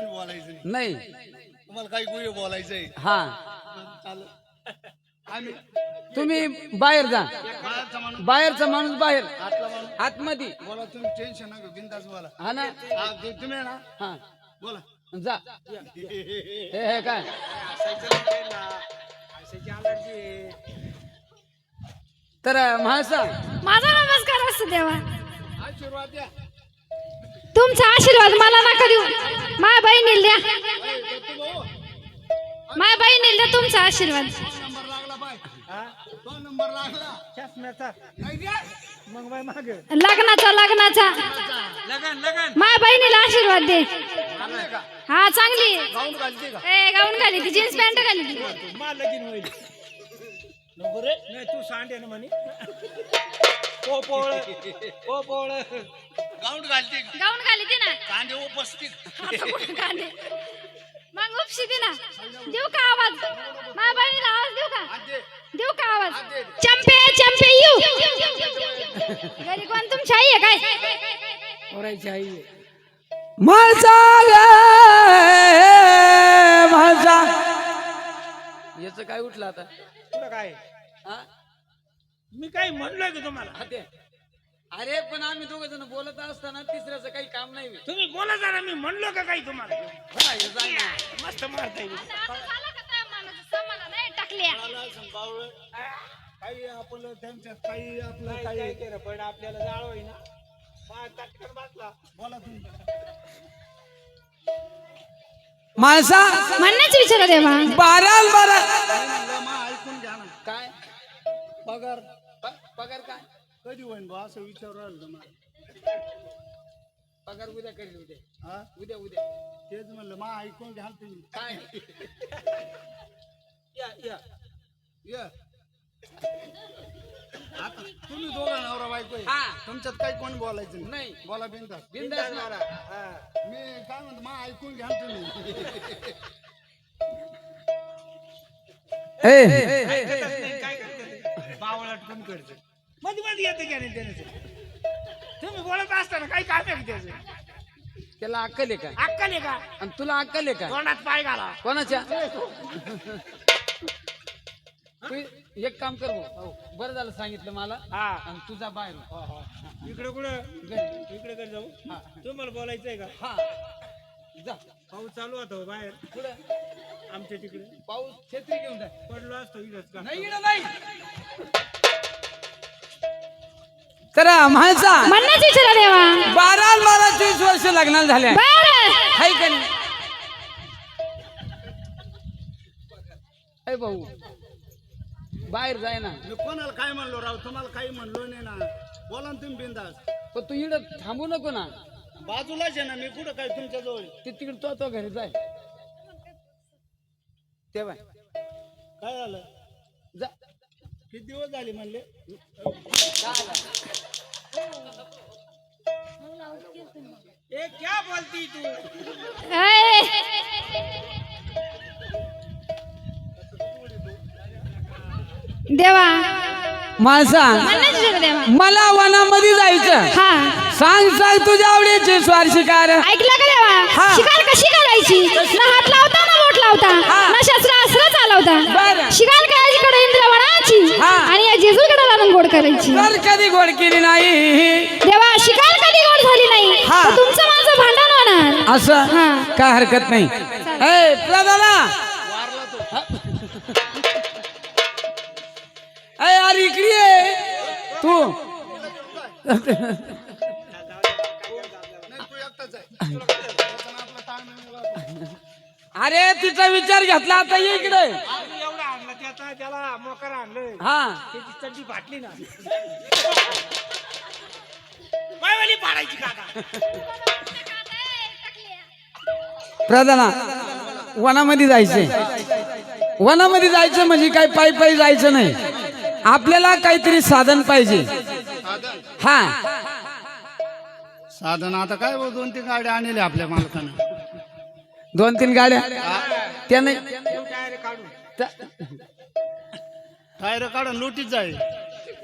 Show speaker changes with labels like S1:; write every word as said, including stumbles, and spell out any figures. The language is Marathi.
S1: कोणी बोलायचं
S2: नाही
S1: तुम्हाला काही गोळी बोलायचंय
S2: हा
S1: चालेल आम्ही
S2: तुम्ही बाहेर जा
S1: बाहेरचा माणूस
S2: बाहेरचा माणूस बाहेर
S1: आतला माणूस
S2: आतमध्ये
S1: बोला तुम्ही टेन्शन नका बिंदास बोला
S2: हा ना
S1: हा, ते तुम्ही आहे ना
S2: हा
S1: बोला
S2: जा हे हे काय तर महासा
S3: माझा नमस्कार असतो देवा.
S1: आशीर्वाद द्या
S3: तुमचा आशीर्वाद मला नका देऊ. माझ्या बहिणीला द्या. माझ्या बहिणीला द्या तुमचा आशीर्वाद.
S1: नंबर लागला बाय तो नंबर लागला चष्म्याचा नाही द्या मग बाय माग
S3: लग्नाचा लग्नाचा
S1: लगन लगन
S3: माझ्या बहिणीला आशीर्वाद दे.
S1: का
S3: हा चांगली
S1: गाऊन घालते का
S3: ए गाऊन घाली ती जीन्स पॅन्ट घाली ती.
S1: मा लगीन होईल नको रे नाही तू सांडे ना म्हणे ओ पोळ ओ पोळ गाऊन घालते का
S3: गाऊन घाली ती ना.
S1: कांदे उपस्थित
S3: आता कुठं कांदे मग उपशी ती ना. देऊ का आवाज माझ्या बहिणीला आवाज देऊ का देऊ का आवाज. चंपे चंपे यू घरी कोण तुमची आई आहे काय.
S2: ओरायची आई माझा माझा याच काय उठलं आता
S4: तुला काय
S2: हा?
S4: मी काय म्हणलोय का तुम्हाला
S2: हा ते. अरे पण आम्ही दोघ जण बोलत असताना तिसऱ्याचं काही काम नाही.
S4: तुम्ही बोला जरा मी म्हणलो का काही तुम्हाला
S2: हा, हे जाय ना.
S4: मस्त मारताय
S1: काही आपलं त्यांच्यात काही आपलं
S4: काय
S1: काही
S4: काय केलं पण आपल्याला जाळ होईना बा, चटकन बसला
S1: बोला तुम्ही
S2: माणसा
S3: म्हणण्याच विचारा देवा.
S2: बाराल बारा
S1: काय म्हणलं मग ऐकून घ्या ना
S2: काय
S1: पगार
S2: प- पगार काय
S1: कधी होईन बा असं विचारू राहिलं तुम्हाला
S2: पगार उद्या करेल उद्या
S1: हा
S2: उद्या उद्या
S1: तेच म्हणलं मग ऐकून घ्याल तुम्ही
S2: काय
S4: या या
S1: ये आता तुम्ही दोघं नवरा बायको आहे.
S2: हा.
S1: तुमच्यात काही कोण बोलायचं नाही.
S2: नाही
S1: बोला बिनधास्त.
S2: बिंदास मारा
S4: हा.
S1: मी काय म्हणतो मग ऐकून घ्या तुम्ही
S2: ए
S4: ऐकतच नाही, काय करते बावळाट कोण करते मध्ये मध्ये येते की नाही त्याने तुम्ही बोलत असताना काही काम आहे का त्याचं
S2: त्याला अक्कल आहे काय
S4: अक्कल आहे का
S2: आणि तुला अक्कल आहे काय
S4: तोंडात पाय घाला
S2: कोणाच्या तू एक काम कर भाऊ. बरं झालं सांगितलं मला
S4: हा
S2: आणि तुझा बाहेर
S4: इकडे कुठं
S2: घरी.
S4: इकडे कर जाऊ तुम्हाला बोलायचंय का
S2: हा जा
S4: पाऊस चालू होता हो बाहेर
S2: पुढे
S4: आमच्या तिकडे
S2: पाऊस छत्री घेऊन जाय
S4: पडलो असतो इथंच का
S2: नाही इकडं नाही तर माझा
S3: म्हणण्याच विचारा देवा.
S2: बारा बारा चोवीस वर्ष लग्नाला झाल्या
S3: बरं
S2: हाय का नाही ऐ भाऊ बाहेर जाय ना
S1: मी कोणाला काय म्हणलो राव तुम्हाला काही म्हणलो नाही ना बोला ना तुम्ही बिंदास
S2: पण तू इकडं थांबू नको ना
S1: बाजूलाच आहे ना मी कुठं काय तुमच्या जवळ
S2: ते तिकडे तो तो घरी जाय तेव्हा
S1: काय झालं
S2: जा
S1: किती दिवस झाले म्हणले
S4: ए क्या बोलती तू
S3: ए, देवा
S2: माणसा
S3: म्हणण्याच विचारा देवा.
S2: मला वनामध्ये जायचं
S3: हा
S2: सांग सांग तुझ्या आवडीचे स्वार शिकार
S3: ऐकलं का देवा.
S2: हा.
S3: शिकार कशी करायची ना हात लावता ना बोट लावता
S2: हा.
S3: ना शस्त्र अस्त्र चालवता.
S2: बरं.
S3: शिकार करायची इंद्रवनाची
S2: हा.
S3: आणि या जेजूकडे लावून गोड करायची.
S2: तर कधी गोड केली नाही
S3: देवा शिकार कधी गोड झाली नाही
S2: हा.
S3: तर तुमचं माझं भांडण होणार.
S2: असं
S3: हा.
S2: काय हरकत नाही ए प्रधाना ए यार इकडे ये. तू
S1: नाही तू एकटाच आहे त्याचा आपला ताण नाही.
S2: अरे तिचा विचार घेतला आता ये इकडे
S4: अजून एवढं आणलं त्याचा त्याला मोकर आणलं
S2: हा
S4: त्याची चड्डी फाटली ना पायवाली पाडायची काका
S2: प्रधाना वनामध्ये जायचंय वनामध्ये जायचं म्हणजे काय पायी पायी जायचं नाही आपल्याला काहीतरी साधन पाहिजे
S1: साधन
S2: हा
S1: साधन आता काय हो, दोन तीन गाड्या आणल्या आपल्या मालकानं
S2: दोन तीन गाड्या त्या नाही
S4: टायर काढून
S2: त्या-
S1: टायर काढून लुटीत जाईल